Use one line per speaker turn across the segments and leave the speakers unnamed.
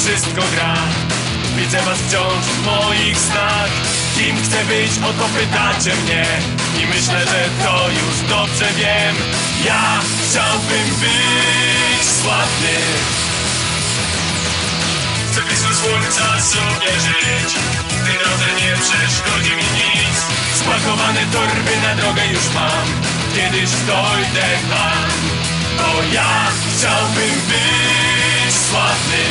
wszystko gra. Widzę was wciąż w moich snach. Kim chcę być, o to pytacie mnie. I myślę, że to już dobrze wiem. Ja chciałbym być sławny. Chcę blisko słońca sobie żyć. W tej drodze nie przeszkodzi mi nic. Spakowane torby na drogę już mam. Kiedyś dojdę tam. Bo ja chciałbym być sławny.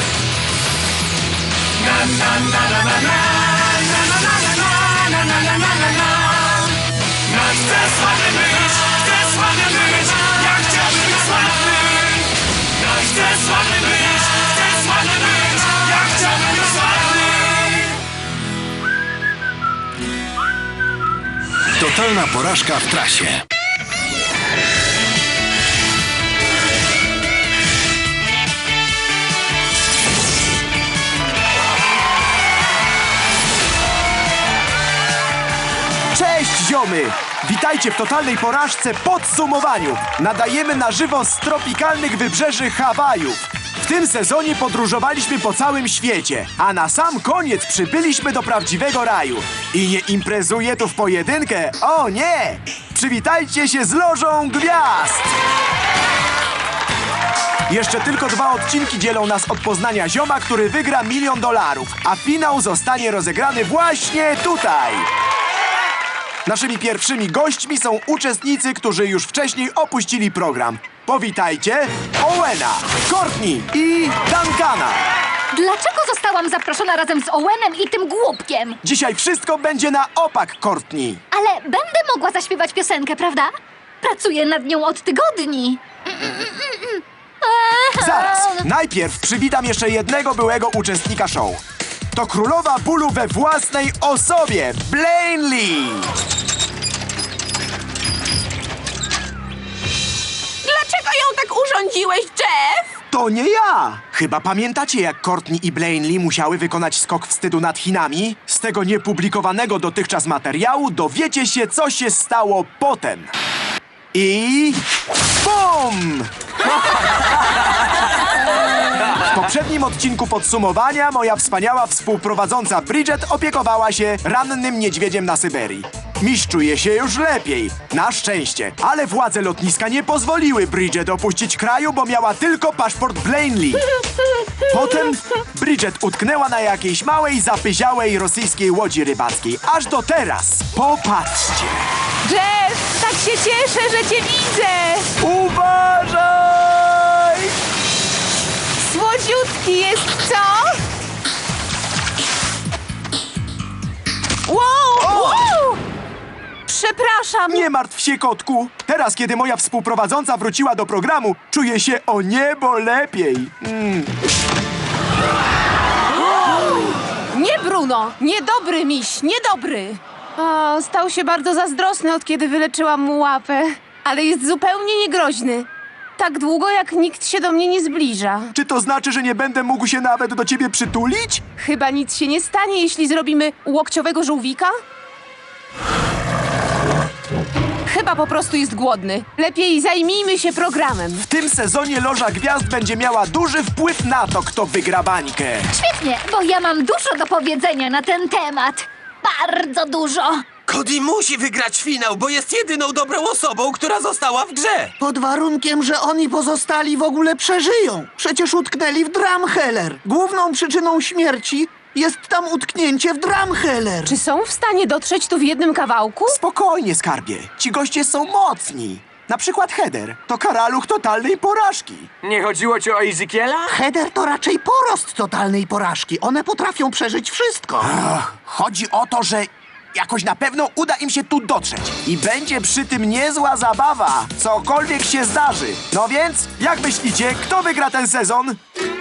Na na na na na na. Na na na na na na na na na na. No chcę sławny być, chcę sławny być. Ja chciałbym być sławny. No chcę sławny być, chcę sławny być. Ja chciałbym być sławny.
Totalna porażka w trasie.
Cześć ziomy! Witajcie w totalnej porażce podsumowaniu. Nadajemy na żywo z tropikalnych wybrzeży Hawajów. W tym sezonie podróżowaliśmy po całym świecie, a na sam koniec przybyliśmy do prawdziwego raju. I nie imprezuje tu w pojedynkę, o nie! Przywitajcie się z Lożą Gwiazd! Jeszcze tylko 2 odcinki dzielą nas od poznania zioma, który wygra $1 000 000, a finał zostanie rozegrany właśnie tutaj. Naszymi pierwszymi gośćmi są uczestnicy, którzy już wcześniej opuścili program. Powitajcie Owena, Courtney i Duncana.
Dlaczego zostałam zaproszona razem z Owenem i tym głupkiem?
Dzisiaj wszystko będzie na opak, Courtney.
Ale będę mogła zaśpiewać piosenkę, prawda? Pracuję nad nią od tygodni.
Zaraz, najpierw przywitam jeszcze jednego byłego uczestnika show. To królowa bólu we własnej osobie, Blaine Lee.
Dlaczego ją tak urządziłeś, Jeff?
To nie ja! Chyba pamiętacie, jak Courtney i Blaine Lee musiały wykonać skok wstydu nad Chinami? Z tego niepublikowanego dotychczas materiału dowiecie się, co się stało potem. I... BUM! W poprzednim odcinku podsumowania moja wspaniała współprowadząca Bridget opiekowała się rannym niedźwiedziem na Syberii. Miś czuje się już lepiej, na szczęście. Ale władze lotniska nie pozwoliły Bridget opuścić kraju, bo miała tylko paszport Blaine Lee. Potem Bridget utknęła na jakiejś małej, zapyziałej rosyjskiej łodzi rybackiej. Aż do teraz. Popatrzcie.
Jeff, tak się cieszę, że cię widzę!
Uważaj!
Słodziutki jest, co? Wow! Wow! Przepraszam!
Nie martw się, kotku. Teraz, kiedy moja współprowadząca wróciła do programu, czuję się o niebo lepiej.
Nie, Bruno! Niedobry miś, niedobry! O, stał się bardzo zazdrosny, od kiedy wyleczyłam mu łapę. Ale jest zupełnie niegroźny. Tak długo, jak nikt się do mnie nie zbliża.
Czy to znaczy, że nie będę mógł się nawet do ciebie przytulić?
Chyba nic się nie stanie, jeśli zrobimy łokciowego żółwika? Chyba po prostu jest głodny. Lepiej zajmijmy się programem.
W tym sezonie Loża Gwiazd będzie miała duży wpływ na to, kto wygra bańkę.
Świetnie, bo ja mam dużo do powiedzenia na ten temat. Bardzo dużo.
Cody musi wygrać finał, bo jest jedyną dobrą osobą, która została w grze.
Pod warunkiem, że oni pozostali w ogóle przeżyją. Przecież utknęli w Drumheller. Główną przyczyną śmierci jest tam utknięcie w Drumheller.
Czy są w stanie dotrzeć tu w jednym kawałku?
Spokojnie, skarbie. Ci goście są mocni. Na przykład Heather to karaluch totalnej porażki.
Nie chodziło ci o Ezekiela?
Heather to raczej porost totalnej porażki. One potrafią przeżyć wszystko.
Chodzi o to, że jakoś na pewno uda im się tu dotrzeć. I będzie przy tym niezła zabawa, cokolwiek się zdarzy. No więc, jak myślicie, kto wygra ten sezon?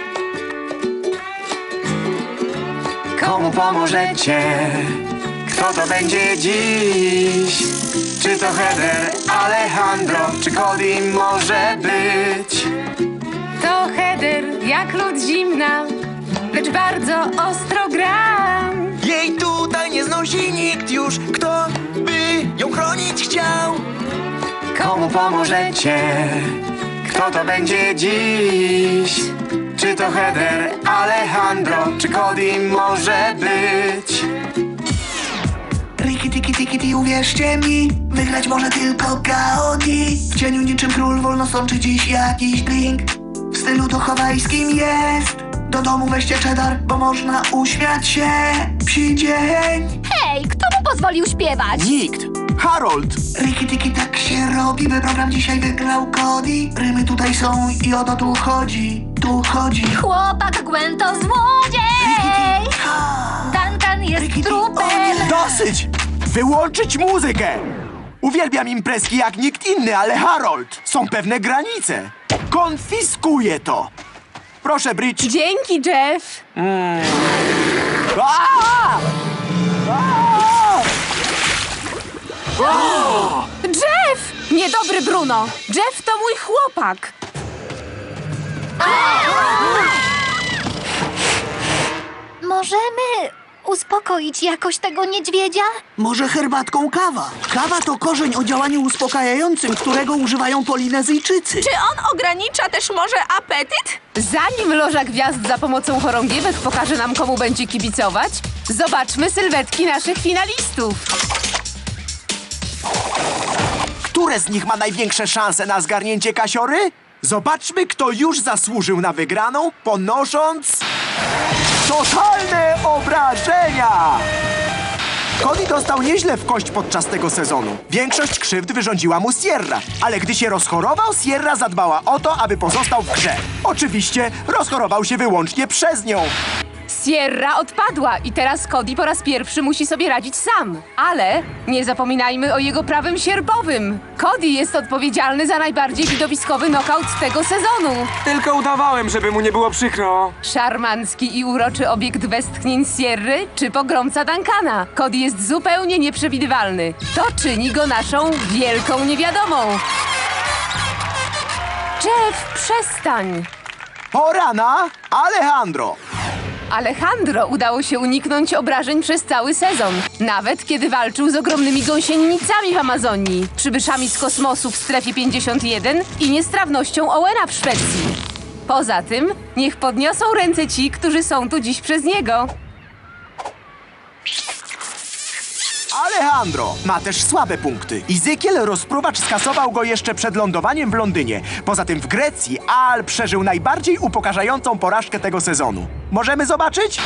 Komu pomożecie? Kto to będzie dziś? Czy to Heather, Alejandro, czy Cody może być?
To Heather, jak lód zimna, lecz bardzo ostro gram.
Jej tutaj nie znosi nikt już, kto by ją chronić chciał.
Komu pomożecie? Kto to będzie dziś?
Czy to Heather, Alejandro, czy Cody może być?
Riki, tiki, tiki, ti, uwierzcie mi, wygrać może tylko Cody. W cieniu niczym król wolno sączy dziś jakiś drink. W stylu to hawajskim jest. Do domu weźcie cheddar, bo można uśmiać się. Psi dzień.
Hej, kto mu pozwolił śpiewać?
Nikt. Harold.
Riki, tiki, tak się robi, by program dzisiaj wygrał Cody. Rymy tutaj są i o to tu chodzi. Tu chodzi.
Chłopak Gwen to złodziej! Duncan jest trupem!
Dosyć! Wyłączyć muzykę! Uwielbiam imprezki jak nikt inny, ale Harold, są pewne granice. Konfiskuję to. Proszę, Bridge.
Dzięki, Jeff.
Aaa!
Jeff! Niedobry Bruno. Jeff to mój chłopak.
Możemy uspokoić jakoś tego niedźwiedzia?
Może herbatką kawa? Kawa to korzeń o działaniu uspokajającym, którego używają Polinezyjczycy.
Czy on ogranicza też może apetyt?
Zanim Loża Gwiazd za pomocą chorągiewek pokaże nam, komu będzie kibicować, zobaczmy sylwetki naszych finalistów.
Które z nich ma największe szanse na zgarnięcie kasiory? Zobaczmy, kto już zasłużył na wygraną, ponosząc totalne obrażenia! Cody dostał nieźle w kość podczas tego sezonu. Większość krzywd wyrządziła mu Sierra, ale gdy się rozchorował, Sierra zadbała o to, aby pozostał w grze. Oczywiście rozchorował się wyłącznie przez nią.
Sierra odpadła i teraz Cody po raz pierwszy musi sobie radzić sam. Ale nie zapominajmy o jego prawym sierpowym. Cody jest odpowiedzialny za najbardziej widowiskowy knockout tego sezonu.
Tylko udawałem, żeby mu nie było przykro.
Szarmancki i uroczy obiekt westchnień Sierry czy pogromca Duncana. Cody jest zupełnie nieprzewidywalny. To czyni go naszą wielką niewiadomą. Jeff, przestań.
Pora na Alejandro.
Alejandro udało się uniknąć obrażeń przez cały sezon. Nawet kiedy walczył z ogromnymi gąsienicami w Amazonii, przybyszami z kosmosu w strefie 51 i niestrawnością Owena w Szwecji. Poza tym, niech podniosą ręce ci, którzy są tu dziś przez niego.
Alejandro ma też słabe punkty. Ezekiel rozpruwacz skasował go jeszcze przed lądowaniem w Londynie. Poza tym w Grecji Al przeżył najbardziej upokarzającą porażkę tego sezonu. Możemy zobaczyć?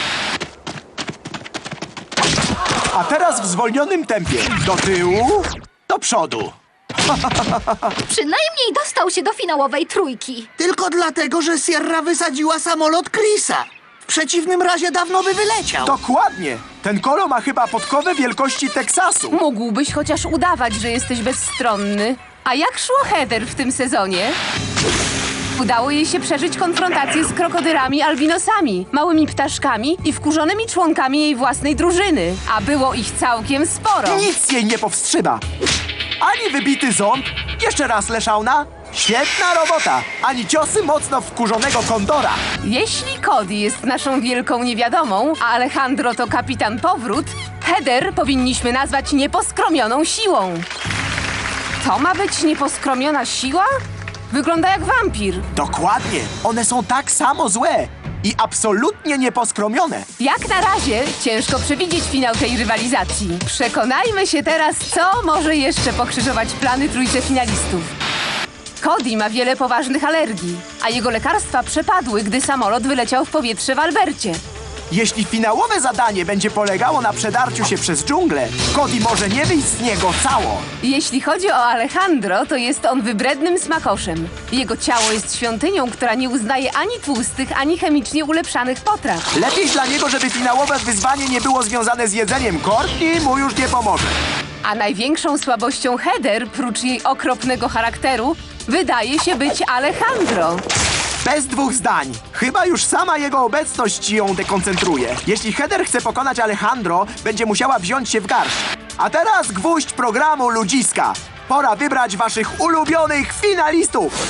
A teraz w zwolnionym tempie. Do tyłu, do przodu.
Przynajmniej dostał się do finałowej trójki.
Tylko dlatego, że Sierra wysadziła samolot Chrisa. W przeciwnym razie dawno by wyleciał.
Dokładnie. Ten kolo ma chyba podkowę wielkości Teksasu.
Mógłbyś chociaż udawać, że jesteś bezstronny. A jak szło Heather w tym sezonie? Udało jej się przeżyć konfrontację z krokodylami albinosami, małymi ptaszkami i wkurzonymi członkami jej własnej drużyny. A było ich całkiem sporo.
Nic jej nie powstrzyma. Ani wybity ząb, jeszcze raz leszauna. Świetna robota. Ani ciosy mocno wkurzonego kondora.
Jeśli Cody jest naszą wielką niewiadomą, a Alejandro to kapitan powrót, Heather powinniśmy nazwać nieposkromioną siłą. To ma być nieposkromiona siła? Wygląda jak wampir.
Dokładnie. One są tak samo złe i absolutnie nieposkromione.
Jak na razie ciężko przewidzieć finał tej rywalizacji. Przekonajmy się teraz, co może jeszcze pokrzyżować plany trójce finalistów. Cody ma wiele poważnych alergii, a jego lekarstwa przepadły, gdy samolot wyleciał w powietrze w Albercie.
Jeśli finałowe zadanie będzie polegało na przedarciu się przez dżunglę, Cody może nie wyjść z niego cało.
Jeśli chodzi o Alejandro, to jest on wybrednym smakoszem. Jego ciało jest świątynią, która nie uznaje ani tłustych, ani chemicznie ulepszanych potraw.
Lepiej dla niego, żeby finałowe wyzwanie nie było związane z jedzeniem. Courtney mu już nie pomoże.
A największą słabością Heather, prócz jej okropnego charakteru, wydaje się być Alejandro.
Bez dwóch zdań. Chyba już sama jego obecność ją dekoncentruje. Jeśli Heather chce pokonać Alejandro, będzie musiała wziąć się w garść. A teraz gwóźdź programu Ludziska. Pora wybrać waszych ulubionych finalistów.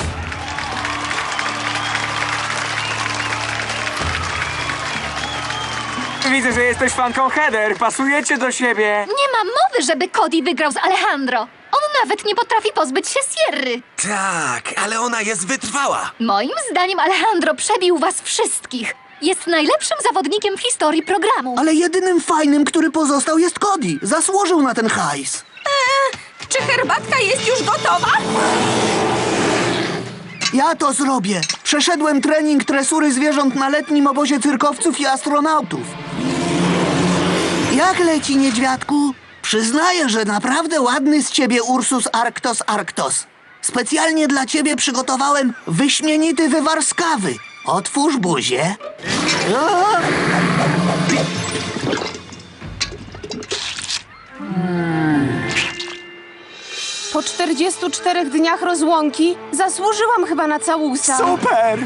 Widzę, że jesteś fanką Heather. Pasujecie do siebie.
Nie ma mowy, żeby Cody wygrał z Alejandro. On nawet nie potrafi pozbyć się Sierry.
Tak, ale ona jest wytrwała.
Moim zdaniem Alejandro przebił was wszystkich. Jest najlepszym zawodnikiem w historii programu.
Ale jedynym fajnym, który pozostał, jest Cody. Zasłużył na ten hajs.
Czy herbatka jest już gotowa?
Ja to zrobię. Przeszedłem trening tresury zwierząt na letnim obozie cyrkowców i astronautów. Jak leci, niedźwiadku? Przyznaję, że naprawdę ładny z ciebie Ursus Arctos Arctos. Specjalnie dla ciebie przygotowałem wyśmienity wywar z kawy. Otwórz buzię. O!
Po 44 dniach rozłąki zasłużyłam chyba na całusa.
Super!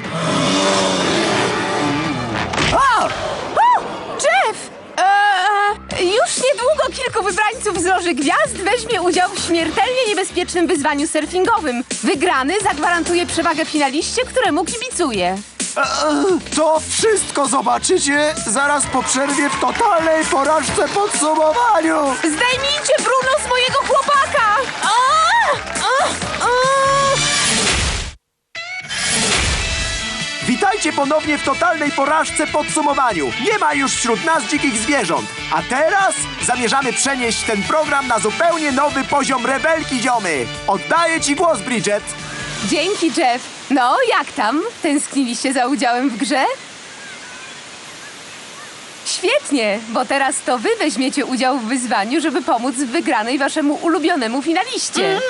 Jeff! Już niedługo kilku wybrańców z Loży Gwiazd weźmie udział w śmiertelnie niebezpiecznym wyzwaniu surfingowym. Wygrany zagwarantuje przewagę finaliście, któremu kibicuję.
To wszystko zobaczycie zaraz po przerwie w totalnej porażce podsumowaniu.
Zdejmijcie Bruno z mojego chłopaka!
Witajcie ponownie w totalnej porażce podsumowaniu. Nie ma już wśród nas dzikich zwierząt. A teraz zamierzamy przenieść ten program na zupełnie nowy poziom rebelki, ziomy. Oddaję ci głos, Bridget.
Dzięki, Jeff. No, jak tam? Tęskniliście za udziałem w grze? Świetnie, bo teraz to wy weźmiecie udział w wyzwaniu, żeby pomóc w wygranej waszemu ulubionemu finaliście.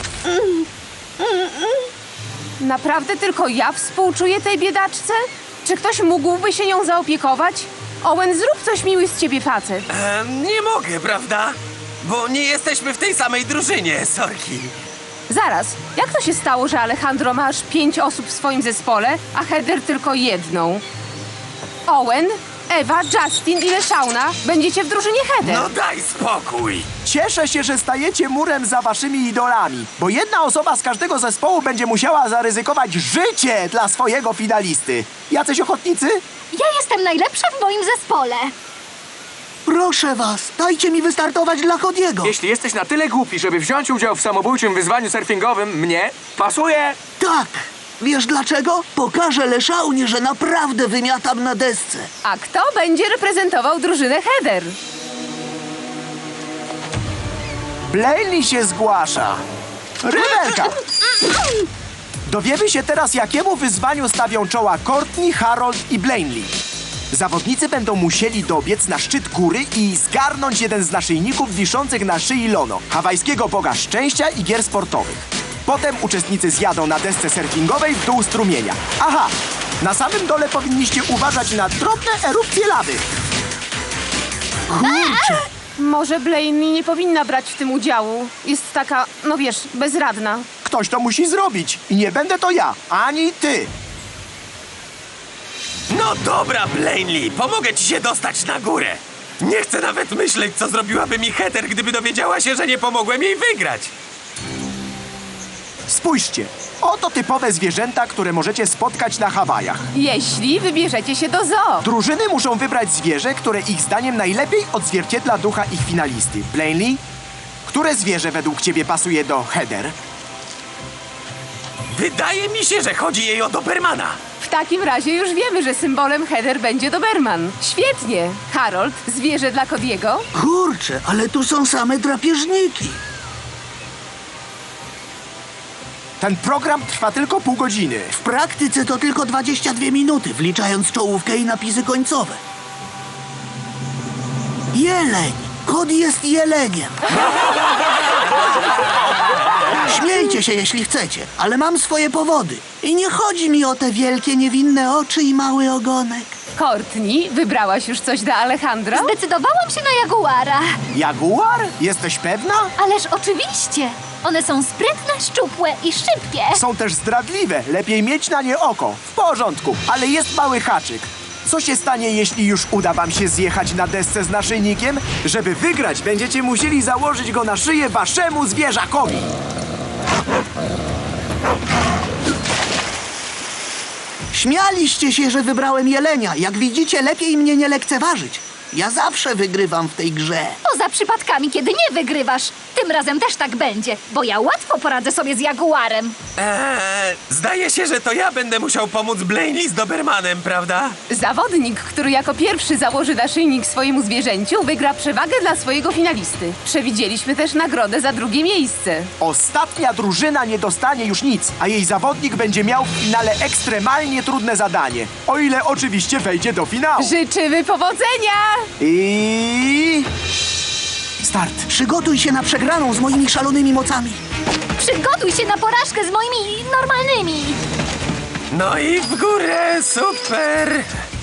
Naprawdę tylko ja współczuję tej biedaczce? Czy ktoś mógłby się nią zaopiekować? Owen, zrób coś miły z ciebie facet.
Nie mogę, prawda? Bo nie jesteśmy w tej samej drużynie, sorki.
Zaraz, jak to się stało, że Alejandro ma aż 5 osób w swoim zespole, a Heather tylko jedną? Owen, Ewa, Justin i Leszauna będziecie w drużynie Heather.
No daj spokój.
Cieszę się, że stajecie murem za waszymi idolami, bo jedna osoba z każdego zespołu będzie musiała zaryzykować życie dla swojego finalisty. Jacyś ochotnicy?
Ja jestem najlepsza w moim zespole.
Proszę was, dajcie mi wystartować dla Cody'ego.
Jeśli jesteś na tyle głupi, żeby wziąć udział w samobójczym wyzwaniu surfingowym, mnie pasuje.
Tak! Wiesz dlaczego? Pokażę Leszaunie, że naprawdę wymiatam na desce.
A kto będzie reprezentował drużynę Heather?
Blaney się zgłasza. Rybelka! Dowiemy się teraz, jakiemu wyzwaniu stawią czoła Courtney, Harold i Blaney. Zawodnicy będą musieli dobiec na szczyt góry i zgarnąć jeden z naszyjników wiszących na szyi Lono, hawajskiego boga szczęścia i gier sportowych. Potem uczestnicy zjadą na desce surfingowej w dół strumienia. Aha! Na samym dole powinniście uważać na drobne erupcje lawy.
Kurczę!
Może Blaney nie powinna brać w tym udziału. Jest taka, no wiesz, bezradna.
Ktoś to musi zrobić i nie będę to ja, ani ty.
No dobra, Blaney, pomogę ci się dostać na górę. Nie chcę nawet myśleć, co zrobiłaby mi Heather, gdyby dowiedziała się, że nie pomogłem jej wygrać.
Spójrzcie, oto typowe zwierzęta, które możecie spotkać na Hawajach.
Jeśli wybierzecie się do zoo.
Drużyny muszą wybrać zwierzę, które ich zdaniem najlepiej odzwierciedla ducha ich finalisty. Blaney, które zwierzę według ciebie pasuje do Heather?
Wydaje mi się, że chodzi jej o Dobermana.
W takim razie już wiemy, że symbolem Heather będzie Doberman. Świetnie. Harold, zwierzę dla Cody'ego.
Kurczę, ale tu są same drapieżniki.
Ten program trwa tylko pół godziny.
W praktyce to tylko 22 minuty, wliczając czołówkę i napisy końcowe. Jeleń! Cody jest jeleniem. Śmiejcie się, jeśli chcecie, ale mam swoje powody. I nie chodzi mi o te wielkie, niewinne oczy i mały ogonek.
Courtney, wybrałaś już coś dla Alejandro?
Zdecydowałam się na jaguara.
Jaguar? Jesteś pewna?
Ależ oczywiście. One są sprytne, szczupłe i szybkie.
Są też zdradliwe. Lepiej mieć na nie oko. W porządku, ale jest mały haczyk. Co się stanie, jeśli już uda wam się zjechać na desce z naszyjnikiem? Żeby wygrać, będziecie musieli założyć go na szyję waszemu zwierzakowi.
Śmialiście się, że wybrałem jelenia. Jak widzicie, lepiej mnie nie lekceważyć. Ja zawsze wygrywam w tej grze.
Poza przypadkami, kiedy nie wygrywasz. Tym razem też tak będzie, bo ja łatwo poradzę sobie z jaguarem.
Zdaje się, że to ja będę musiał pomóc Blaney z Dobermanem, prawda?
Zawodnik, który jako pierwszy założy naszyjnik swojemu zwierzęciu, wygra przewagę dla swojego finalisty. Przewidzieliśmy też nagrodę za drugie miejsce.
Ostatnia drużyna nie dostanie już nic, a jej zawodnik będzie miał w finale ekstremalnie trudne zadanie. O ile oczywiście wejdzie do finału.
Życzymy powodzenia!
I... Start.
Przygotuj się na przegraną z moimi szalonymi mocami.
Przygotuj się na porażkę z moimi normalnymi.
No i w górę, super!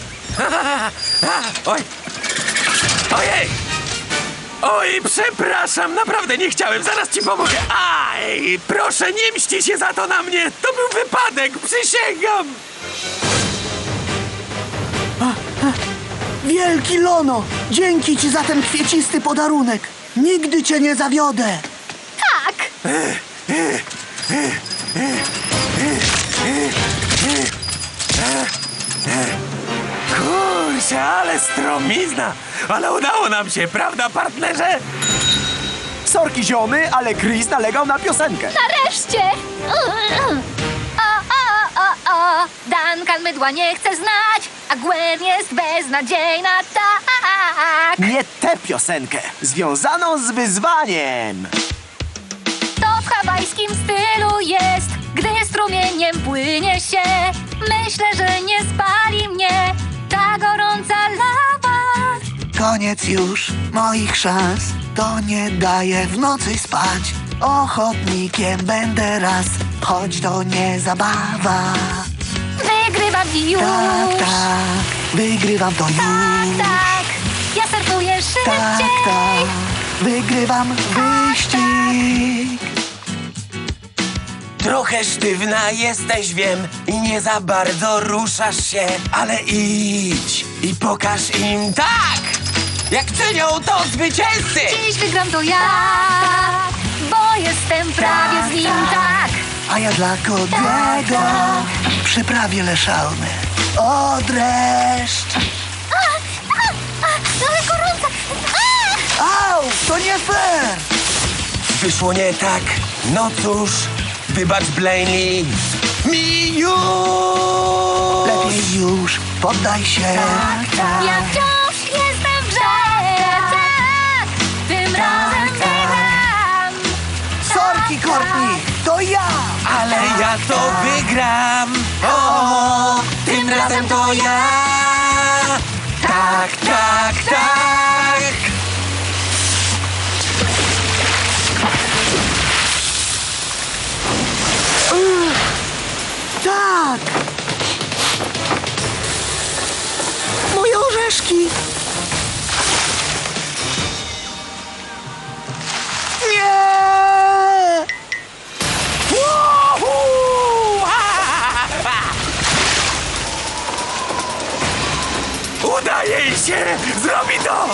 Oj! Ojej! Oj, przepraszam, naprawdę nie chciałem, zaraz ci pomogę. Aj, proszę, nie mści się za to na mnie, to był wypadek, przysięgam!
Wielki Lono, dzięki ci za ten kwiecisty podarunek. Nigdy cię nie zawiodę.
Tak.
Kurczę, ale stromizna! Ale udało nam się, prawda, partnerze?
Sorki ziomy, ale Chris nalegał na piosenkę.
Nareszcie! O, Duncan mydła nie chce znać, a Gwen jest beznadziejna, tak!
Nie tę piosenkę, związaną z wyzwaniem.
To w hawajskim stylu jest, gdy strumieniem płynie się. Myślę, że nie spali mnie ta gorąca lawa.
Koniec już moich szans, to nie daje w nocy spać. Ochotnikiem będę raz, choć to nie zabawa.
Wygrywam i już.
Tak, tak, wygrywam to już.
Tak, ja surfuję
Tak,
szybciej.
tak, wygrywam wyścig.
Trochę sztywna jesteś, wiem, i nie za bardzo ruszasz się, ale idź i pokaż im tak, jak czynią to zwycięzcy!
Dziś wygram to ja, bo jestem prawie z nim, tak.
A ja dla Kodiego przyprawię leszalny. O, dreszcz!
Ale gorąca.
Au, to nie fair!
Wyszło nie tak, no cóż, wybacz Blaney, mi już!
Lepiej już, poddaj się.
Ja wciąż jestem w grze, tak. Tym razem wygram.
Sorki, Courtney, to ja!
Ale ja to wygram! O, tym razem to ja! Tak, tak, tak!
Tak! Moje orzeszki! Nie!
Woohoo! Uda jej się! Zrobi to!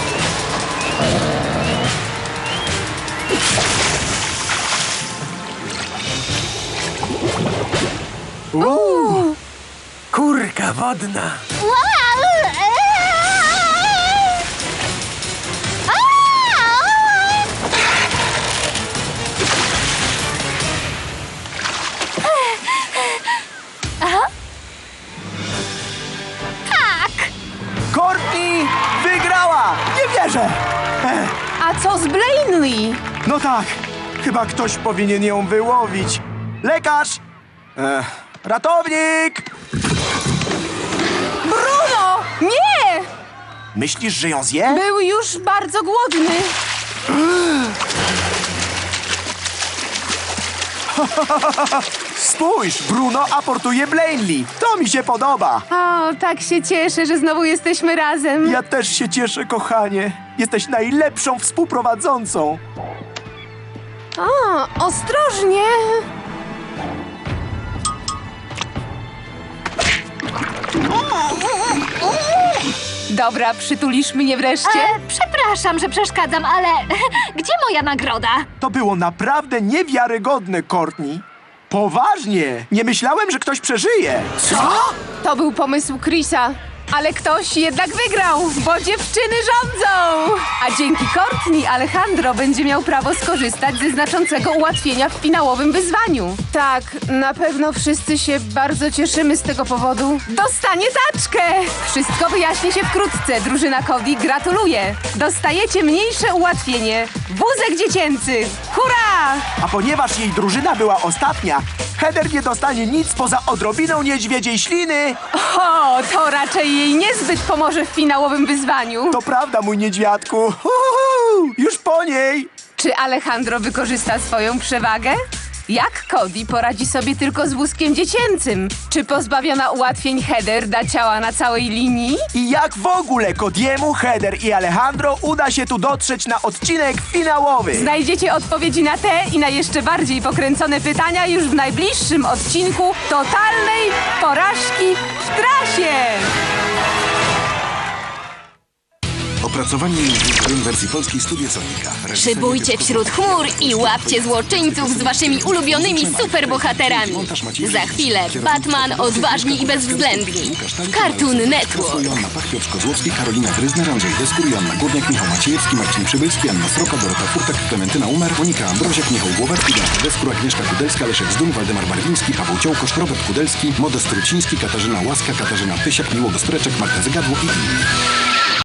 Kurka wodna!
Tak.
Courtney wygrała! Nie wierzę!
A co z Blaney?
No tak, chyba ktoś powinien ją wyłowić. Lekarz! Ratownik!
Bruno! Nie!
Myślisz, że ją zje?
Był już bardzo głodny.
Spójrz, Bruno aportuje Blaney. To mi się podoba.
O, tak się cieszę, że znowu jesteśmy razem.
Ja też się cieszę, kochanie. Jesteś najlepszą współprowadzącą.
O, ostrożnie. Dobra, przytulisz mnie wreszcie?
Przepraszam, że przeszkadzam, ale gdzie moja nagroda?
To było naprawdę niewiarygodne, Courtney. Poważnie! Nie myślałem, że ktoś przeżyje.
To był pomysł Chrisa. Ale ktoś jednak wygrał, bo dziewczyny rządzą! A dzięki Courtney Alejandro będzie miał prawo skorzystać ze znaczącego ułatwienia w finałowym wyzwaniu. Tak, na pewno wszyscy się bardzo cieszymy z tego powodu. Dostanie taczkę! Wszystko wyjaśni się wkrótce. Drużyna Cody gratuluje. Dostajecie mniejsze ułatwienie. Wózek dziecięcy. Hurra!
A ponieważ jej drużyna była ostatnia, Heather nie dostanie nic poza odrobiną niedźwiedziej śliny.
O, to raczej jej niezbyt pomoże w finałowym wyzwaniu.
To prawda, mój niedźwiadku. Już po niej.
Czy Alejandro wykorzysta swoją przewagę? Jak Cody poradzi sobie tylko z wózkiem dziecięcym? Czy pozbawiona ułatwień Heather da ciała na całej linii?
I jak w ogóle Cody'emu, Heather i Alejandro uda się tu dotrzeć na odcinek finałowy?
Znajdziecie odpowiedzi na te i na jeszcze bardziej pokręcone pytania już w najbliższym odcinku Totalnej Porażki w Trasie!
Opracowanie językiem w wersji polskiej Studio Sonika.
Szybujcie wśród chmur i łapcie złoczyńców z waszymi ulubionymi superbohaterami. Za chwilę Batman, odważni i bezwzględni. Cartoon Network.
Joanna Pach, Piotr Kozłowski, Karolina Gryzner, Andrzej Deskur, Joanna Górniak, Michał Maciejewski, Marcin Przybylski, Anna Sroka, Dorota Furtak, Klementyna Umer, Monika Ambroziak, Michał Głowacki, Beata Deskur, Agnieszka Kudelska, Leszek Zduń, Waldemar Barwiński, Paweł Ciołkosz, Robert Kudelski, Modest Truciński, Katarzyna Łaska, Katarzyna Pysiak, Miłogo Spreczek, Marta Zygadło i inni.